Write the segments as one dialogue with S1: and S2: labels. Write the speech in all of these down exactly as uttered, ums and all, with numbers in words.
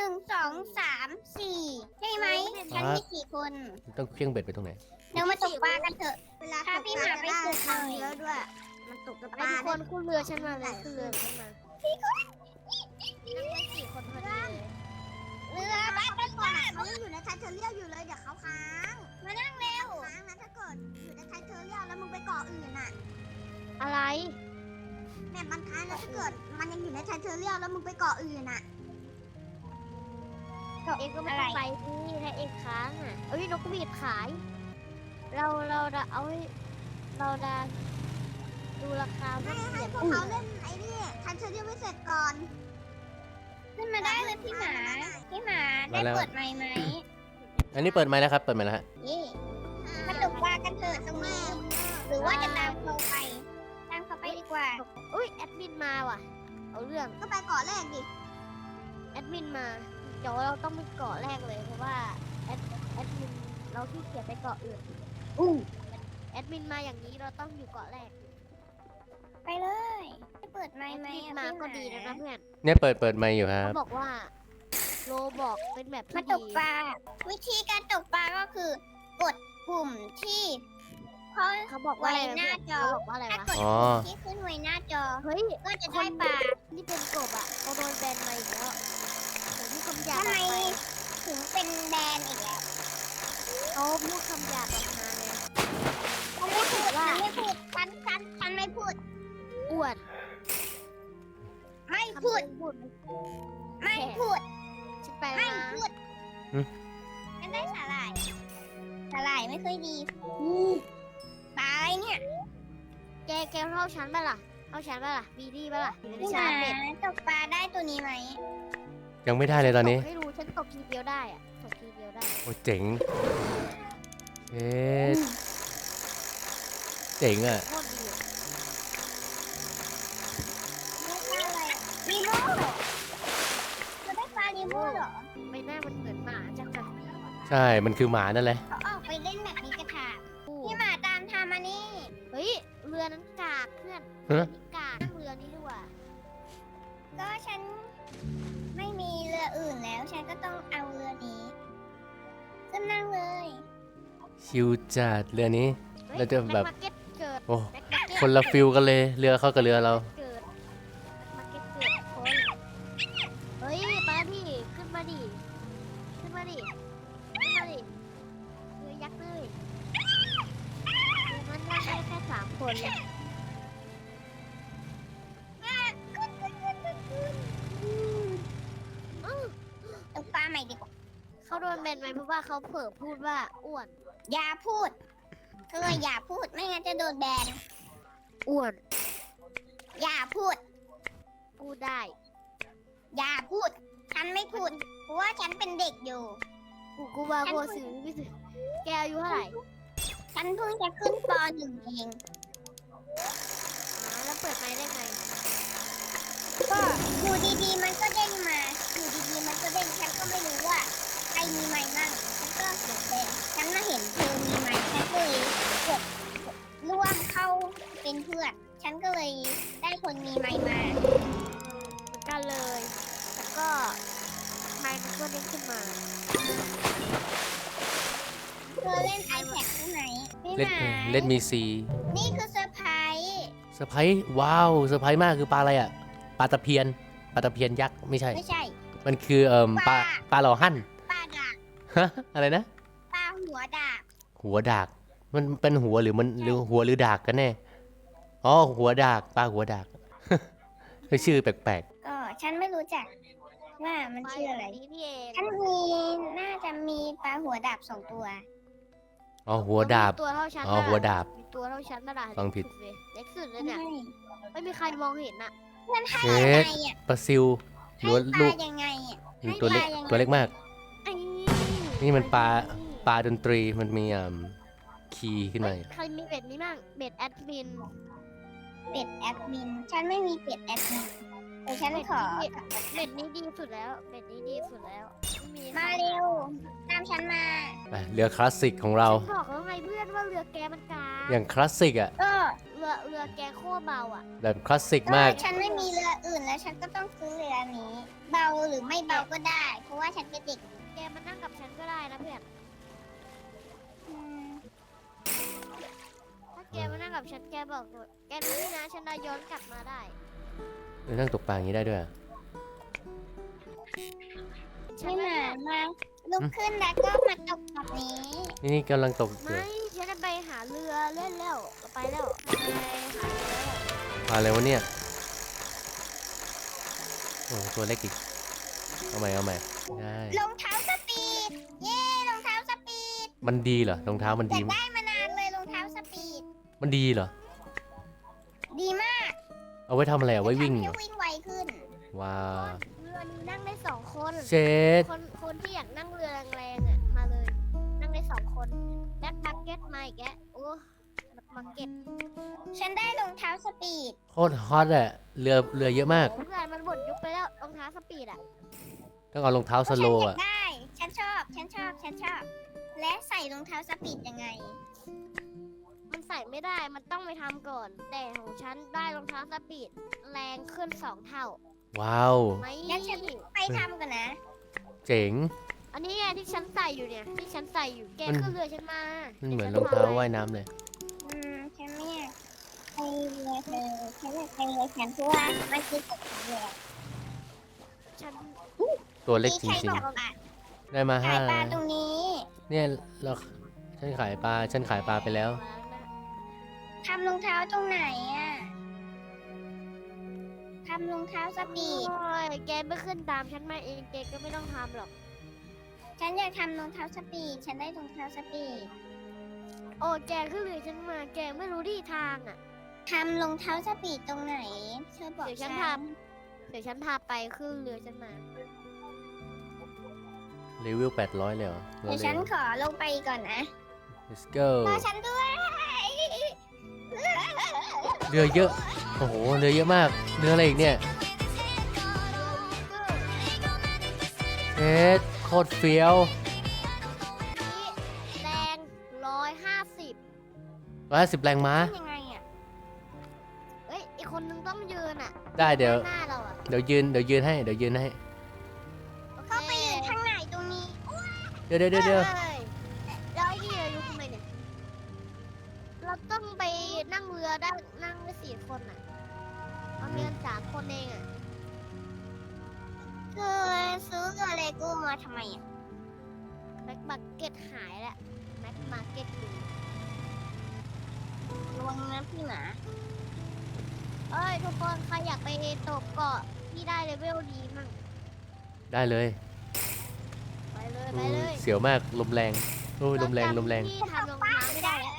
S1: นึ่งสองสามสี่ใช่ไหมฉันมีสี่คน
S2: ต้องเครื่องเบ็ดไปตรงไหน
S1: เดี๋ยวมาตกปลากันเถอะ
S3: เวลา
S1: ถ้าพี่หมาไปฝึกหน่อย
S3: เยอะด้วย มันตกกับป
S4: ไอ้
S3: ลา
S4: ทุกคนขึ้นเรือฉันมาเลยขึ้นเรือฉันมานั่งได้สี่คนพอดีเลย
S1: เรือบ้านกันก่อน
S3: เขายังอยู่ในไทเทเรียลอยู่เลยเดี๋ยวเขาค้าง
S1: มานั่งเร็ว
S3: ค้างนะถ้าเกิดอยู่ในไทเทเรียลแล้วมึงไปเกาะอื่นน่ะ
S4: อะไร
S3: แม่มันค้างแล้วถ้าเกิดมันยังอยู่ในไทเทเรียลแล้วมึงไปเกาะอื่นน่ะ
S4: เองก็ไม่ต้องไปที่ถ้าเองค้างอ่ะเอ้ยนกหวีดขาย เราเราจะเอาให้เราจะดูราคา
S3: ให้
S4: ว่า
S3: ให้
S4: เปลี่ยน
S3: พวกเขาเล่นไอ้นี่ไทเทเรียลไม่เสร็จก่อน
S1: ขึ้นมาได้เลยพี่หมา พี่หมาได้เปิดไมค์ไหม
S2: อันนี้เปิดไมค์แล้วครับเปิดไมค์แล้วฮะ
S1: นี่มาตกปลากันเถอะตรงนี้ หรือว่าจะตามเขาไป ตามเขาไปดีกว่า
S4: อุ้ยแอดมินมาว่ะ เอาเรื่อง
S3: ก็ไปเกาะแรกดิ
S4: แอดมินมาเดี๋ยวเราต้องไปเกาะแรกเลยเพราะว่าแอดแอดมินเราขี้เกียจไปเกาะอื่นอู้แอดมินมาอย่างนี้เราต้องอยู่เกาะแรก
S1: ไปเลยได้เปิดไม
S4: แอ
S1: ค์
S4: ด
S1: ไหม
S4: มิน
S1: อะ
S4: มา
S1: พี่ห
S4: ก็ดีนะนะเพื่อน
S2: เนี่ยเปิดเปิดไมค์อยู่ครั
S4: เขา
S2: บ
S4: บอกว่าโลบอกเป็นแบบ
S1: มา
S4: ที่
S1: ต
S4: ดี
S1: กปลา วิธีการตกปลาก็คือ กดปุ่มที่เขา
S4: เขาบอกว่าอะไร
S1: ไว้หน้าจอ
S4: เขาบอกว่าอะไร
S1: ถ้าว
S4: ะ
S1: กด
S2: อ๋อ
S1: ปุ่มที่ขึ้นไว้หน้าจอ
S4: เฮ้ย
S1: ก็จะได้ปลา
S4: นี่เป็นกบอ่ะเขาโดนแบนมาอีกแล้วผมพูดคำหยาบ
S1: ทำ
S4: อ
S1: ไม
S4: อกไป
S1: ถึงเป็นแบรนด์อีกแล้ว
S4: เขาพูดคำหยาบออกมาไง
S1: ฉันไม่พูดฉันไม่พูดฉันฉันฉันไม่พูด
S4: อ้วน
S1: ไม่
S4: คำ
S1: พูด
S4: เดิมพูด
S1: ไม่พูด
S4: ฉันไป
S1: ไม่
S4: มา
S1: พูด
S2: อืม
S1: ฉันได้สาหร่าย สาหร่ายไม่เคยดีปลาอะไรเนี่ย
S4: แกแกเท่าฉันปะล่ะเท่าฉันปะล่ะบีดี้ปะล่ะ
S1: พี่ห
S4: ชา
S1: มา
S4: เด็ด
S1: ตกปลาได้ตัวนี้ไหม
S2: ยังไม่ได้เลยตอนนี้
S4: ไม่รู้ฉันตกทีเดียวได้อ่ะตกทีเดียวได้
S2: โอ้เจ๋งเอ๊ะเจ๋งอ่ะ
S4: โคตรดีอะ
S1: ได้ปลาอะไรลีโม่จะได้ปลาลีโม่เหรอ
S4: ไม่น่ามันเหมือนหมาจังเลย
S2: ใช่มันคือหมานั่นแหละ
S1: เขาออกไปเล่นแบบนี้กระถางพี่หมาตามทามานี่
S4: เฮ้ยเรือนั้นกากเพื่อน
S2: ฮะ
S4: นี่กากนั่งเรือนี้ดีกว่า
S1: ก็ฉันไม่มีเรืออื่นแล้ว ฉันก็ต้องเอาเรือนี้ขึ้นนั่งเลย
S2: ชิวจัดเรือนี้
S4: ฮ้ย
S2: เราจะแบบ
S4: แม็กมาร์เก็ตเกิด
S2: โอ้
S4: แม็กมาร์เก็ต
S2: คนละฟิลกันเลยเรือเข้ากับเรือเรา
S4: เกิดแม็กมาร์เก็ตเกิดคนเฮ้ยมาดิขึ้นมาดิขึ้นมาดิขึ้นมาดิเรือยักษ์เลยเรือนั้นนั่งได้แค่สามคนเลย
S1: ตกปลาใหม่ดีกว่า
S4: เขาโดนแบนไหมเพราะว่าเขาเผลอพูดว่าอ้วน
S1: อย่าพูดเธออย่าพูดไม่งั้นจะโดนแบน
S4: อ้วน
S1: อย่าพูด
S4: พูดได้
S1: อย่าพูด ฉันไม่พูด เพราะว่าฉันเป็นเด็กอยู่
S4: กูกูว่ากูซื้อไม่ซื้อแกอายุเท่าไหร่
S1: ฉันเพิ่งจะขึ้นปหนึ่งเอง
S4: อ๋อแล้วเปิดไม้ได้ไง
S1: ก็อยู่ดีๆมันก็เด้งมา อยู่ดีๆมันก็เด้ง ฉันก็ไม่รู้ว่าใครมีไม้มั่งฉันก็เกิดแต่ฉันมาเห็นเธอมีไม้ฉันก็เลยกดร่วมเข้าเป็นเพื่อน ฉันก็เลยได้คนมีไม้มา
S4: เหมือนกันเลยแล้วก็ไม้มันก็เด้งขึ้นมา
S1: เธอเล่น iPad ใช่ไหมไม่
S2: เล่น
S1: หมา
S2: เล่นมีซี
S1: นี่คือเซอร์ไพรส์
S2: เซอร์ไพรส์ว้าวเซอร์ไพรส์มากคือปลาอะไรอ่ะปลาตะเพียนปลาตะเพียนยักษ์ไม่ใช่
S1: ไม่ใช่
S2: มันคือเอ่มปลาปลาหล่อหั่น
S1: ปลาดาบ
S2: ฮะอะไรนะ
S1: ปลาหัวดาบ
S2: หัวดากมันเป็นหัวหรือมันหรือหัวหรือดากกันแน่อ๋อหัวดากปลาหัวดาก คือชื่อแปลก
S1: ก็ฉันไม่รู้จักว่ามันชื่ออะไร
S4: นี้นี่เอง
S1: ฉันมีน่าจะมีปลาหัวดาบสองตัว
S2: ๆอ๋อหัวดาบ
S4: ตัวเท่าฉัน
S2: อ๋อหัวดาบ
S4: มีตัวเท่าฉันนั่นแหละ
S2: ฟังผิด
S4: เล็กสุดเลยเล็กสุดเลยเนี่ย
S1: ไม่
S4: ไม่มีใครมองเห็นอ่ะ
S1: เพื่อนให้
S2: เอ๊ะ
S1: ยังไงอ่ะ
S2: ปลาซิวห
S1: ให้
S2: รือว่า
S1: ป
S2: ลู
S1: ลาก ยังไงอ่ะ
S2: มันตัวเล็ก
S1: ให้ปลายังไง
S2: ตัวเล็กมาก
S4: ไอ้
S2: นี่มันปลา ปลาดนตรีมันมีอ่าคีย์ขึ้นมา
S4: เฮ้ยใครมีเบ็ดนี้บ้างเบ็ดแอดมิน
S1: เป็ดแอดมิน ฉันไม่มีเป็ดแอดมินแต่ฉันขอ
S4: เบ็ดนี้ดีสุดแล้วเบ็ดนี้ดีสุดแล้วไม่มี
S1: มาเร็ว ตามฉันมา
S2: ไปเรือคลาสสิกของเรา
S4: ฉันบอกแล้วไงเพื่อนว่าเรือแกมันกลาง
S2: อย่างคลาสสิกอ่ะ
S1: ก็
S4: เรือเรือแกโคตรเบาอ่ะ
S2: แบบคลาสสิก
S1: ก็
S2: มาก
S1: ฉันไม่มีเรืออื่นแล้วฉันก็ต้องซื้อเรือนี้ เบาหรือไม่เบาก็ได้ เพราะว่าฉันเป็นเด็ก
S4: แกมานั่งกับฉันก็ได้นะเพื่อน
S1: อืม
S4: ถ้าแกมานั่งกับฉันแกบอกว่าแกรู้นี่นะฉันได้ย้อนกลับมาได้
S2: เออนั่งตกปลาอย่างนี้ได้ด้วยอะ
S4: ฉัน
S1: นี่
S4: ไม่
S1: มา มาลุกขึ้นแล้วก็มาตกแบบนี้
S2: นี่นี่กำลังตกอยู่
S4: ไม่ฉันจะไปหาเรือเล่นแล้วไปแล้วไปหาเรือแล้ว
S2: ปลาอะไรวะเนี่ย โอ้ตัวเล็กอีก เอาใหม่เอาใหม่ได้
S1: รองเท้าสปีด เย้รองเท้าสปีด
S2: มันดีเหรอรองเท้ามัน
S1: อ
S2: ดี
S1: ยากได้มานานเลยรองเท้าสปีด
S2: มันดีเหรอ
S1: ดีมาก
S2: เอาไว้ทำอะไรเอาไว้วิ่ง
S1: ทำ
S2: เหร
S1: ให้
S2: อ
S1: วิ่งไวขึ้น
S2: ว้า
S4: เรือนี้นั่งได้สองคน
S2: เช็ด
S4: คนคนที่อยากนั่งเรือแรงๆอ่ะมาเลย นั่งได้สองคนแบ็คมาร์เก็ตมาอีกแกโอ้แบ็คมาร์เก็ต
S1: ฉันได้รองเท้าสปีด
S2: โคตรฮอตอะเรือเรือเยอะมาก
S4: เพื่อนมันหมดยุคไปแล้วรองเท้าสปีดอ่ะ
S2: ต้องเอารองเท้าส
S1: ฉัน
S2: โล
S1: อ
S2: ว์
S1: ยา
S2: อะ
S1: กได้ ฉันชอบ ฉันชอบ ฉันชอบ และใส่รองเท้าสปีดยังไง
S4: มันใส่ไม่ได้มันต้องไปทำก่อน แต่ของฉันได้รองเท้าสปีดแรงขึ้นสองเท่า
S2: ว้าว
S4: ไหม
S1: งั้นฉันไปทำก่อนนะ
S2: เจ๋ง
S4: อันนี้ไงที่ฉันใส่อยู่เนี่ยที่ฉันใส่อยู่แก
S2: มัน
S4: ขึ้นเรือฉันมา
S2: มันเหมือนร
S4: ดี๋
S2: อง
S4: วฉั
S2: เท้า
S4: พไป
S2: ว่ายน้ำเลย
S1: อืม ฉันไม่อยากไปเรือเธอ ฉันอยากไปเรือฉันเพราะว่ามันคือกฎของเรือ
S4: ฉัน
S2: ตัวเล็ก
S1: มี
S2: จ
S1: ใคร
S2: ริง
S1: บอกอ่ะ
S2: ๆ ได้มา
S1: ขา
S2: ห้าย
S1: ปลาตรงนี้
S2: เนี่ยเราฉันขายปลา ฉันขายปลาไปแล้ว
S1: ทำรองเท้าตรงไหนอ่ะ ทำรองเท้าสปีด
S4: โอ้ยแกไม่ขึ้นตามฉันมาเองแกก็ไม่ต้องทำหรอก
S1: ฉันอยากทำรองเท้าสปีด ฉันได้รองเท้าสปีด
S4: โอ้แกขึ้นเรือฉันมาแกไม่รู้ที่ทางอ่ะ
S1: ทำรองเท้าสปีดตรงไหน เธอบอก
S4: เดี๋ยวฉั
S1: ฉั
S4: น
S1: น
S4: ทำ เดี๋ยวฉันพาไปขึ้นเรือฉันมา
S2: เลเวลแปดร้อยเลยเหรอ
S1: เดี๋ยวฉันขอลงไปก่อนนะ
S2: let's go
S1: รอฉันด้วย
S2: เรือเยอะ โอ้โห เรือเยอะมาก เรืออะไรอีกเนี่ยเอ็ดโคตรเฟี้ยว
S4: นี่แรงร้อยห้าสิบ
S2: ร้อยห้าสิบแรงม้า
S1: ยังไงอ่ะ
S4: เอ้ย อีกคนนึงต้องยืนอ่ะ
S2: ได้เดี๋ยว
S4: หน้าเราอ่ะ
S2: เดี๋ยวยืน เดี๋ยวยืนให้ เดี๋ยวยืนให้
S4: โอเค
S1: เข้าไปยืนข้างไหนตรงนี้
S2: เดี๋ยวเดี๋ยวเดี๋ยวเดี๋ยว
S4: ฮ้ยแล้วไอ้นี่เรายุคทำไมเนี่ย เราต้องไปนั่งเรือได้นั่งได้สี่คนอ่ะเรามีกันสามคนเองอ่ะ
S1: คือซื้อเรือเลโก้มาทำไมอ่ะ
S4: แม็กมาร์เก็ตหายแล้วแม็กมาร์เก็ตอยู่
S1: ระวังนะพี่หมา
S4: เอ้ยทุกคนใครอยากไปตกเกาะที่ได้เลเวลดีมั่ง
S2: ได้เลย
S4: ไปเลย
S2: อื
S4: ไป
S2: ม
S4: เลย
S2: เสียวมาก ลมแรง โอ้ย ลมแรง ลมแรง
S4: ที่ทำรองเท้าไม่ได้แล้ว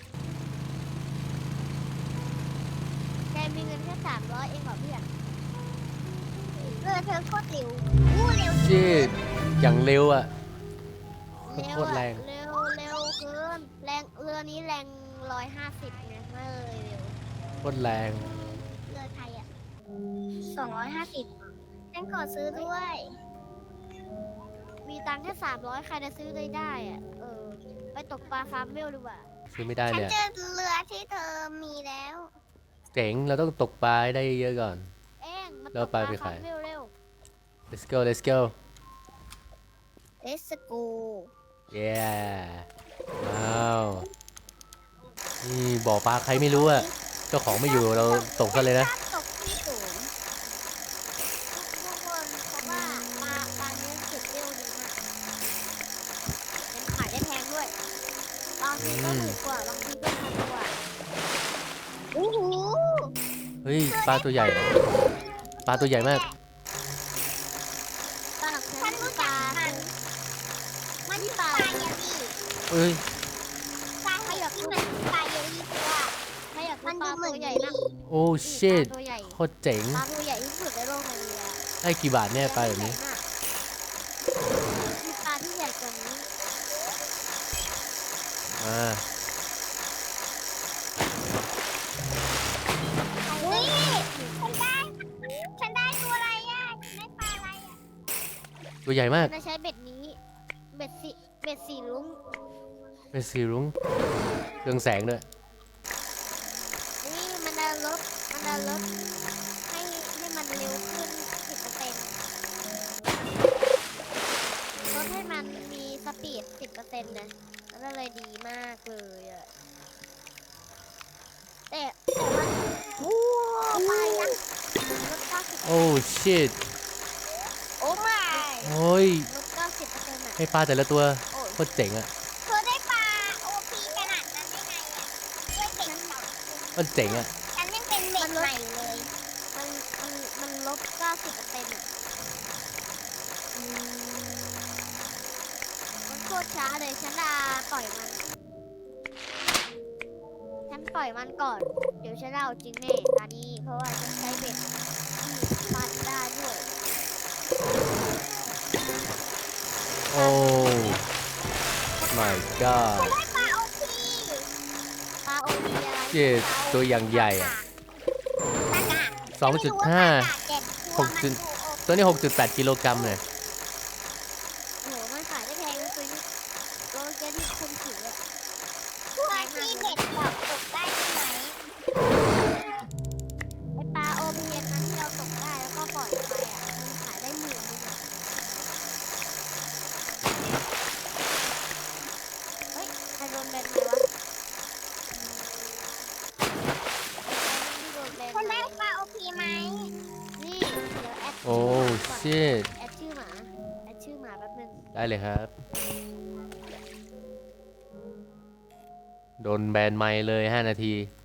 S4: แกมีเงินแค่สามร้อยเองเหรอเพื่อน
S1: เรือเธอโคตรเร็วอู้เร็ว
S2: จีดอย่างเร็วอ่ะ
S4: เร็ว
S2: โคตร
S4: อะ
S2: แรง
S4: เร็วเร็วเกินแรงเรือนี้แรงร้อยห้าสิบไงไม่เลยเร็ว
S2: โคตรแรง
S4: เรือไทยอ่ะ
S1: สองร้อยห้าสิบฉันขอซื้อด้วย
S4: มีตังค์แค่สามร้อยใครจะซื้อได้ได้อ่ะเออไปตกปลาฟาร์มเวลดีกว่า
S2: ซื้อไม่ได้
S1: ฉัน
S2: เลยอะ
S1: เจอเรือที่เธอมีแล้ว
S2: เจ๋ง เราต้องตกปลาให้ได้เยอะก่อน
S4: เอ็งมาต
S2: แล้ว
S4: ก
S2: ไป
S4: ปลา
S2: ไป
S4: ฟา
S2: ขาย
S4: ร์มเวลเร็ว
S2: let's go let's go
S1: เลสโก
S2: yeah ว้าวนี่บ่อปลาใครไม่รู้อะเจ้าของไม่อยู่เราตกกันเลยนะ
S1: ตกที่สูง
S4: ทุกคนเพราะว่าปลาปลาเนี้ยเก็บเวลดีมากยังขายได้แพงด้วยบางทีก็หมื่นกว่าบางทีก็พันกว่า
S1: โอ้โห
S2: เฮ้ยปลาตัวใหญ่ ปลาตัวใหญ่มาก
S4: ปลา
S1: ฉันรู้จักมัน มันคือปลาเยลลี่
S2: เฮ้ย
S1: ปลาที่มันปลาเยลลี่เพราะว่า
S4: ใครอยาก
S1: มั
S4: ดู
S1: น
S4: ป
S1: ดู
S4: ลา
S1: เหมื
S4: ตั
S1: อน
S4: วใหญ่นะ
S2: โอ้
S4: นี่
S2: shit
S4: ปลาตัวใหญ่
S2: โคตรเจ๋ง
S4: ปลาตัวใหญ่ที่สุดในโลกในเรือ
S2: ให้กี่บาทเนี่ยปลาแบบนี้
S4: มีปลาที่ใหญ่กว่านี้
S2: อ่า
S1: เฮ้ยฉันได้ ฉันได้ตัวอะไรอ่ะฉันได้ปลาอะไรอ่ะ
S2: ตัวใหญ่มาก
S4: จะใช้เบ็ดเบ็ดสีเบ็ดสีลุ้ง
S2: เป็นสีรุ้งเรืองแสงด้วย
S4: นี่มันจะลดมันจะลดให้ให้มันเร็วขึ้นสิบเปอร์เซ็นต์ลดให้มันมีสปีดสิบเปอร์เซ็นต์นะแล้วก็เลยดีมากเลยอะแต่แต่ว่า
S1: โอ้ไปยัง
S4: ลดเก้าสิบ
S2: โอ้ชิต
S1: โอ้ไม่
S2: โอ้ย
S4: ลดเก้าสิบเปอร์เซ็นต์อะ
S2: ให้ปลาแต่ละตัว
S4: โอ้ย
S2: โคตรเจ๋งอ่ะ
S1: เธอได้ปลาโอพีขนาดนั้นได้ไงอ่ะด้วยเด็กสอง
S2: โคตรเจ๋งอ่ะ
S1: ฉันยังเป็นเด็กใหม่เลย
S4: มันมันมันลบเก้าสิบเปอร์เซ็นต์อะมันโคตรช้าเลยฉันจะปล่อยมัน ฉันปล่อยมันก่อน เดี๋ยวฉันเอาจริงแน่ตอนนี้ เพราะว่าฉันใช้เบ็ดที่ฟันได้ด้วย
S2: โอ้ my god
S1: ฉันได้ปลาโอพี
S4: ปลาโอวีอะไร
S2: เจ็ดตัวอย่างใหญ่อะ
S1: ตากะ
S2: สองจุดห้า
S1: เจ็ด
S2: หกจุด ตัวนี้หกจุดแปดกิโลกรัมเลย
S4: โอ้โหมันขายได้แพงนะตัวนี้โลเจที่คุณถืออะ
S1: ตัวที่เด็กบอกตกได้ใช่ไหม
S4: ไอปลาโอวีอันนั้นที่เราตกได้แล้วก็ปล่อยไปอ่ะ มันขายได้หมื่นนึงอะเฮ้ยใครโดนแบนไหมวะที่โดนแบน
S1: ฉัน
S4: ไหม
S1: ได้ปลาโอพีไหม
S4: นี่เดี๋ยวแอด
S2: โอ้
S4: ชื่อหมาก่อน
S2: ชิต
S4: แอดชื่อหมา แอดชื่อหมาแป๊บนึง
S2: ได้เลยครับ โดนแบนไมค์เลยห้านาที